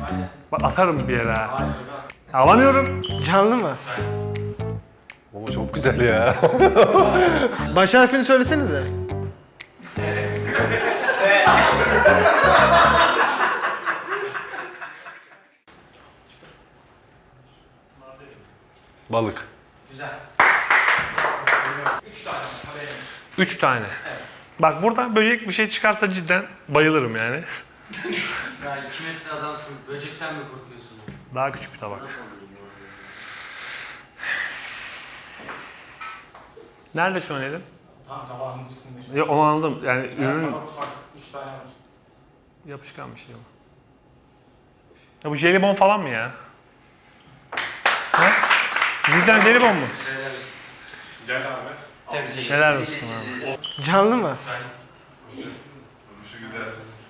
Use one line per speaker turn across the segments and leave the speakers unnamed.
Bak atarım bir yere. Alamıyorum.
Canlı mı?
Baba çok güzel ya.
Baş harfini söylesenize.
Balık.
Güzel. 3 tane haberiniz.
3 tane.
Evet.
Bak buradan böcek bir şey çıkarsa cidden bayılırım yani.
Ya 2 metre adamsın. Böcekten mi korkuyorsun?
Daha küçük bir tabak. Nerede şu an elim?
Tam tabağın üstünde.
Ya onu anladım. Yani ürün
Tabak ufak. 3 tane var.
yapışkan bir şey ama. Ya bu jelibon falan mı ya? Ha? Cidden jelibon mu?
Gel abi.
Tebrik
Helal olsun abi.
Canlı mı?
Şu güzel.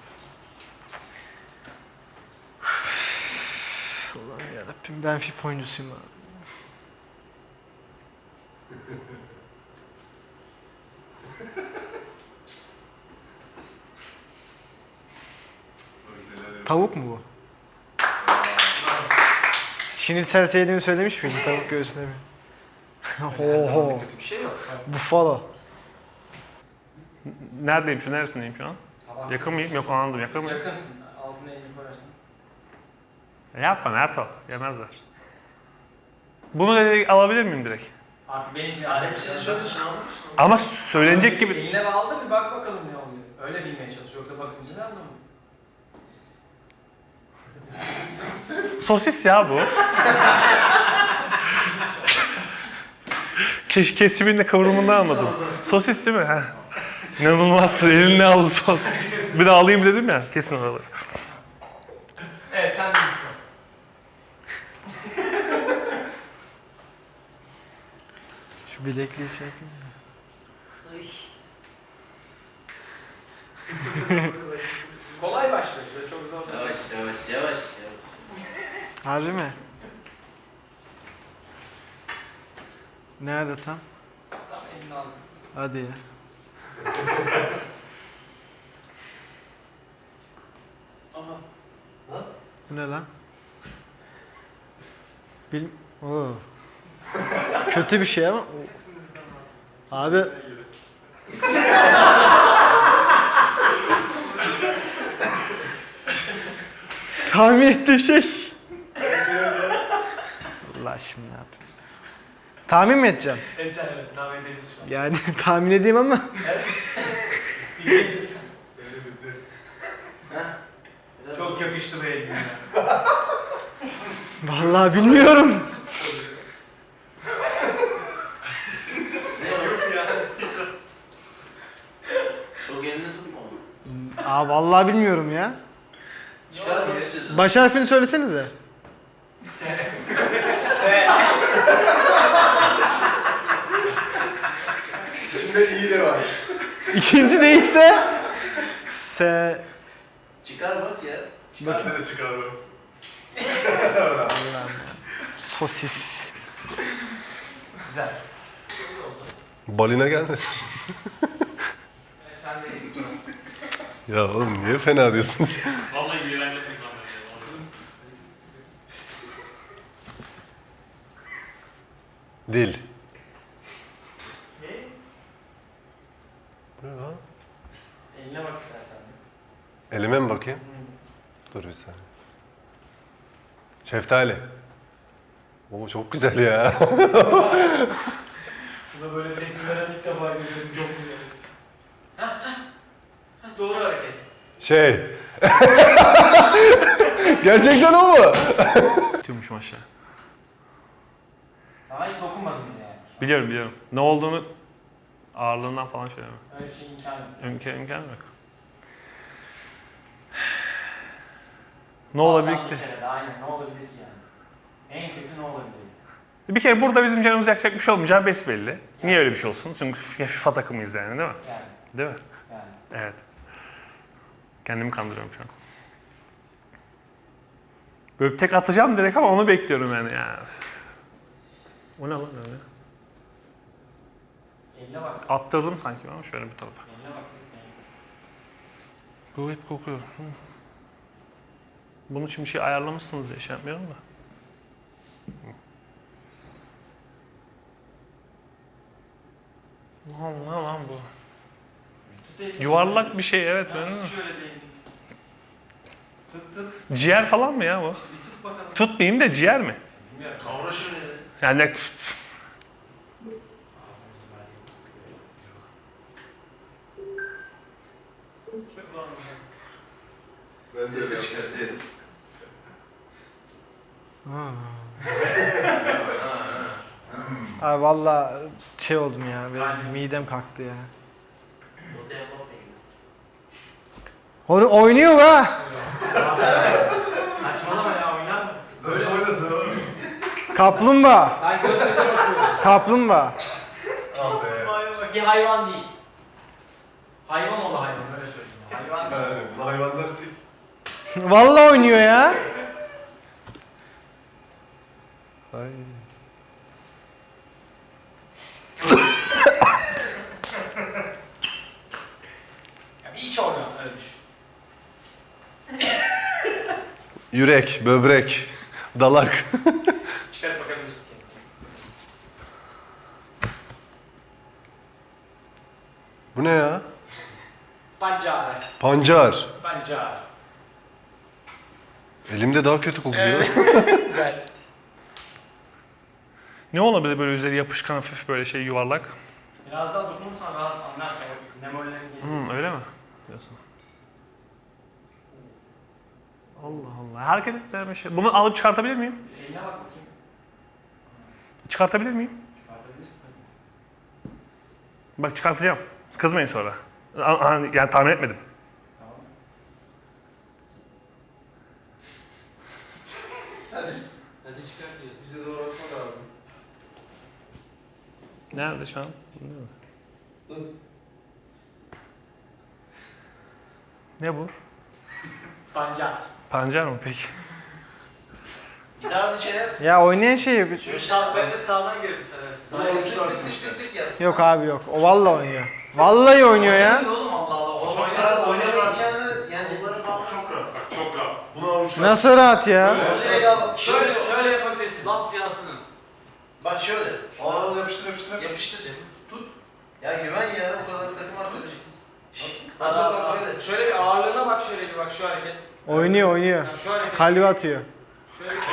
Ulan yarabbim ben FIFA oyuncusuyum abi. Tavuk mu bu? Şinitsel sevdiğimi söylemiş miydim tavuk göğsüne mi? Oho.
Kötü bir şey yok.
Buffalo.
Neredeyim şu? Neresindeyim şu an? Yakın mıyım? Yok anladım. Yakın mıyım?
Yakınsın. Altına elini koyarsın.
Yapma Merto. Yemezler. Bunu direkt alabilir miyim direkt?
Artık benimki alet çalışıyorsun.
Ama söylenecek gibi.
Eline aldı bir bak bakalım ne oluyor. Öyle bilmeye çalış. Yoksa bakınca ne anlamı?
Sosis ya bu. Kesiminde kıvrımından anladım. Sosis değil mi? Heh. İnanılmaz. Elinle aldı falan. Bir de alayım dedim ya. Kesin oraları.
Evet sen değilsin.
Şu bilekliği şey yapayım mı?
Kolay başlıyor. Şöyle çok zor.
Yavaş.
Harbi mi? Nerede tam?
Tam elini aldı.
Hadi ya.
Aha.
Bu ne lan? Oo. Kötü bir şey ama. Abi. Tahmin ettiğim şey. Allah aşkına ne yapıyorsun? Tahmin mi edeceğim?
Evet tahmin edebiliriz şu an.
Yani tahmin edeyim ama.
Dinleyebilirsin. Çok yapıştı be eline.
Vallahi bilmiyorum.
Çok elini tutma onu.
Aa vallahi bilmiyorum ya.
Çıkar mı istiyorsun?
Baş harfini söylesenize.
İçinde iyi de var.
İkinci neyse. S.
Çıkar bak ya.
Bence de çıkaralım.
Sosis.
Güzel.
Balina gelmesin.
Evet sen de istiyorum.
Ya oğlum niye fena diyorsun?
Vallahi iğrenç
Dil.
Ne?
Bu ne lan?
Eline bak istersen.
Elime mi bakayım? Dur bir saniye. Şeftali. Oo çok güzel ya.
Buna böyle tepki veren ilk defa görüyorum. Yok mu Doğru hareket.
Şey. Gerçekten o mu?
Tümüşüm aşağı.
Ama hiç dokunmadım bile yani.
Biliyorum. Ne olduğunu ağırlığından falan söyleme.
Öyle bir şey imkanı yok.
İmkanı yok. Ne olabilir
Vallahi
ki?
bir kere de aynen ne olabilir ki yani? En kötü ne olabilir?
Bir kere burada bizim canımız yakacak bir şey olmayacağı besbelli. Niye öyle bir şey olsun? Çünkü FIFA takımıyız yani değil mi?
Yani.
Değil mi?
Yani.
Evet. Kendimi kandırıyorum şu an. Böyle tek atacağım direkt ama onu bekliyorum yani ya. O ne lan öyle?
Eline bak.
Attırdım sanki ama şöyle bir tarafa.
Eline bak.
Bu hep kokuyor. Bunun için bir şey ayarlamışsınız diye şey yapmıyorum da. Ne lan bu? Yuvarlak bir şey evet ben de.
Şöyle bir tut.
Ciğer falan mı ya bu?
Bir tut bakalım.
Tutmayayım da ciğer mi?
Kavra şöyle.
Yani
Sesi çıkartıyorum.
Abi valla şey oldum ya. Benim midem kalktı ya.
Ortaya bakmayın.
Onu oynuyor be.
Saçmalama ya oynar mı?
Nasıl oynasın oğlum?
Kaplumbağa.
Ben göz göze bakıyorum.
Kaplumbağa.
Ah be.
Bir hayvan değil. Hayvan oğlu hayvan öyle söyleyeyim. Hayvan değil.
Yani bunu hayvan dersek.
Valla oynuyor ya.
Ay.
Ya bir iç organ öyle düşün.
Yürek, böbrek, dalak.
Çıkarıp bakabilirsin kendine.
Bu ne ya?
Pancara.
Pancar.
Pancara.
Elimde daha kötü kokuyor.
Güzel.
ne olabilir böyle üzeri yapışkan hafif böyle şey yuvarlak?
Biraz daha dokunursan rahat anlarsın. Nemollerin geliyor.
Öyle mi? Diyorsun. Allah Allah. Hareket etmeyen bir şey. Bunu alıp çıkartabilir miyim?
Eline bak bakayım.
Çıkartabilir miyim?
Çıkartabilirsin tabii.
Bak çıkartacağım. Kızmayın sonra. Yani tahmin etmedim.
Tamam. Hadi çıkart diyor.
Bize doğru atma lazım.
Nerede şu an? Değil mi?
Dur.
Ne bu?
Pancar.
Pancar mı peki?
Bir daha bir şey yap.
Ya oynayan şey
Şöyle sağ
Ben de sağdan görüp sana.
Buna uçlarsın işte. Tık tık yap.
yok abi yok. O valla oynuyor. Vallahi oynuyor ya.
Oğlum Allah Allah. O
Çok
oynasa
rahat
oynasın.
oynayacağını yani onları falan
Çok rahat. Bak çok rahat.
Bunu avuçlar.
Nasıl rahat ya?
Şöyle yapabilirsin. Lap piyasını.
Bak şöyle.
Al yapıştır yapıştır.
Yapıştır. Tut. Ya güven ya o kadar takım arkadaşız. Hazır bak böyle.
Şöyle bir ağırlığına bak şöyle bir bak şu hareket.
Oynuyor oynuyor.
Yani şu hareket.
Kalbi atıyor.
Şöyle bir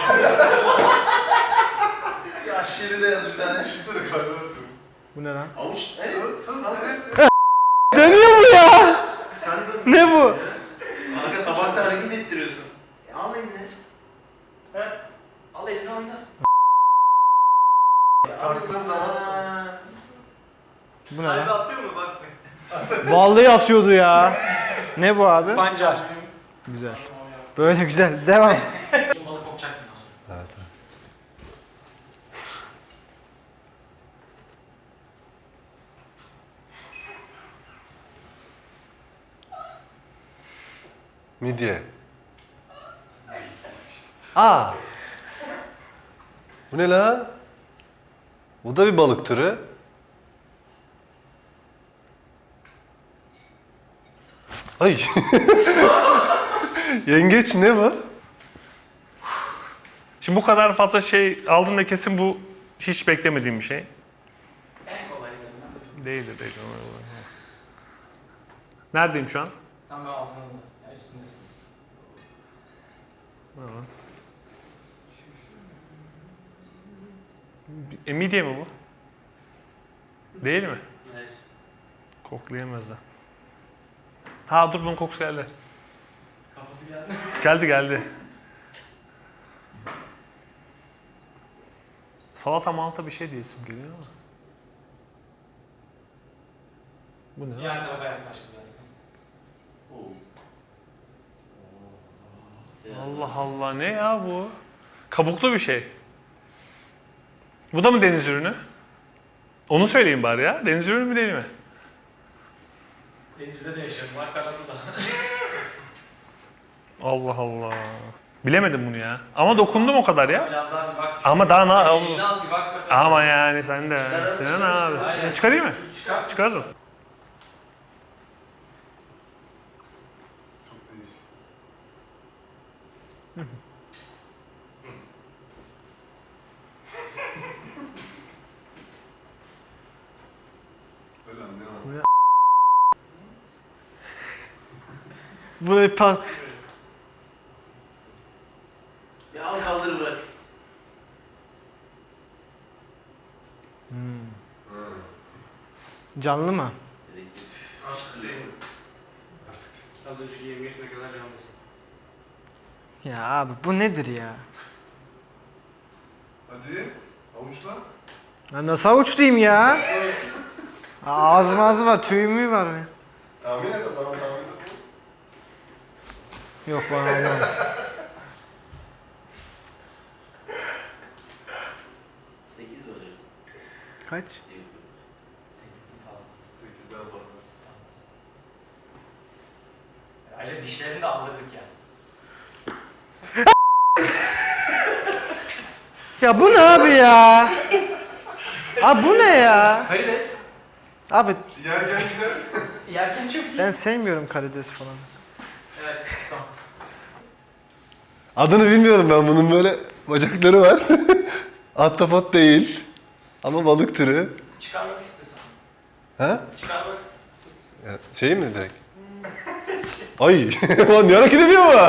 Ya şiiri de yaz bir tane.
Düşünsene kalbine
Bu ne lan?
Avuç. Evet.
Dönüyor mu ya?
Sen de.
Ne bu?
Kanka tabakta hareket ettiriyorsun. Al eline.
al elini oyna.
Tarttığın zaman.
Bu ne lan?
atıyor mu bak.
Vallahi atıyordu ya. Ne bu abi?
Pancar.
Güzel. Böyle güzel. Devam.
Balık kokacak bundan sonra.
Evet. Midye.
Aa.
Bu ne la? Bu da bir balık türü. Ay. Yengeç ne bu?
Şimdi bu kadar fazla şey aldım da kesin bu hiç beklemediğim bir şey.
En kolaylarından.
Değildir. Neredeyim şu an?
Tam ben altında. Ya üstündesin.
Midye mi bu? Değil mi?
Evet.
Koklayamaz da. Ha dur bunun kokusu geldi.
Kafası geldi.
Geldi. Salata malata bir şey diye isim geliyor ama. Bu ne?
Diğer tarafa yaklaştı biraz.
Allah Allah ne ya bu? Kabuklu bir şey. Bu da mı deniz ürünü? Onu söyleyeyim bari ya. Deniz ürünü mü değil mi?
Denizde de yaşıyorum. Var karada da.
Allah Allah. Bilemedim bunu ya. Ama dokundum o kadar ya.
Biraz daha bir bak.
Ama daha
Elini al bir bak bakalım.
Ama yani sen de Sinan abi.
Aynen.
Çıkarayım mı?
Çıkar.
Çıkarırım.
Çok değişik. Öyle anlayamaz.
Bu yapan...
Ya al kaldır bırak.
Canlı mı?
Dedektif.
Artık değil mi?
Az önceki 25 dakikalar canlısın.
Ya abi bu nedir ya?
Hadi. Avuçla.
Ya nasıl avuçlayayım ya? Ağzım var, tüyümü var ya.
Tahmin et o zaman tahmin et.
Yok bana olmaz.
Sekiz böyle.
Kaç?
8'in fazla.
8'den fazla.
Ayrıca dişlerini de aldırdık yani.
Ya bu ne abi ya? Abi bu ne ya?
Karides.
Abi
Yerken güzel.
Yerken çok iyi.
ben sevmiyorum karides falan.
Evet son.
Adını bilmiyorum ben bunun, böyle bacakları var. Ahtapot değil. Ama balık türü.
Çıkarmak istiyorsan.
Ha?
Çıkarmak.
Ya, şey mi direkt? Ay, lan ne hareket ediyor bu?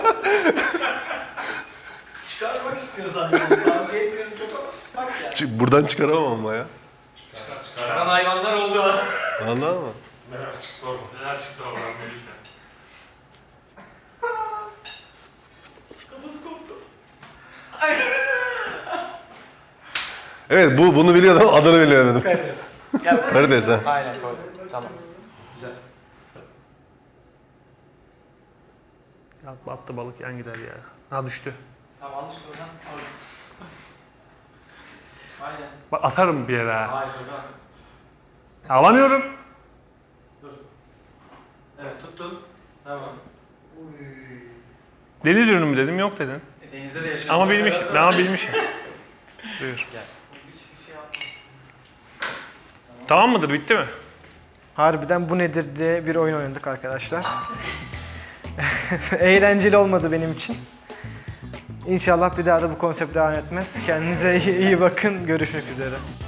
Çıkarmak istiyorsan yani. Tavsiye etmiyorum çok ama. Bak ya.
Buradan çıkaramam ama ya.
Çıkaran hayvanlar oldu.
Vallahi mı?
Neler çıktı orada?
Neler çıktı oradan Melisa?
Kafası koptu.
Evet, bunu biliyordum, adını bilemedim.
Karides. Gel.
Karides ha.
Aynen koydum. Tamam. Güzel.
Ya battı balık yan gider ya. Ha düştü.
Tamam al işte oradan. Al. Aynen.
Bak atarım bir yere ha.
Hayır sakın.
Alamıyorum.
Dur. Evet tuttun. Tamam.
Deniz ürünü mü dedim, yok dedin.
Denizde de yaşayan.
Ama bilmişim. Ama bilmişim. Buyur.
Hiçbir şey yapmaz.
Tamam mıdır? Bitti mi?
Harbiden bu nedir diye bir oyun oynadık arkadaşlar. Eğlenceli olmadı benim için. İnşallah bir daha da bu konsept devam etmez. Kendinize iyi bakın. Görüşmek üzere.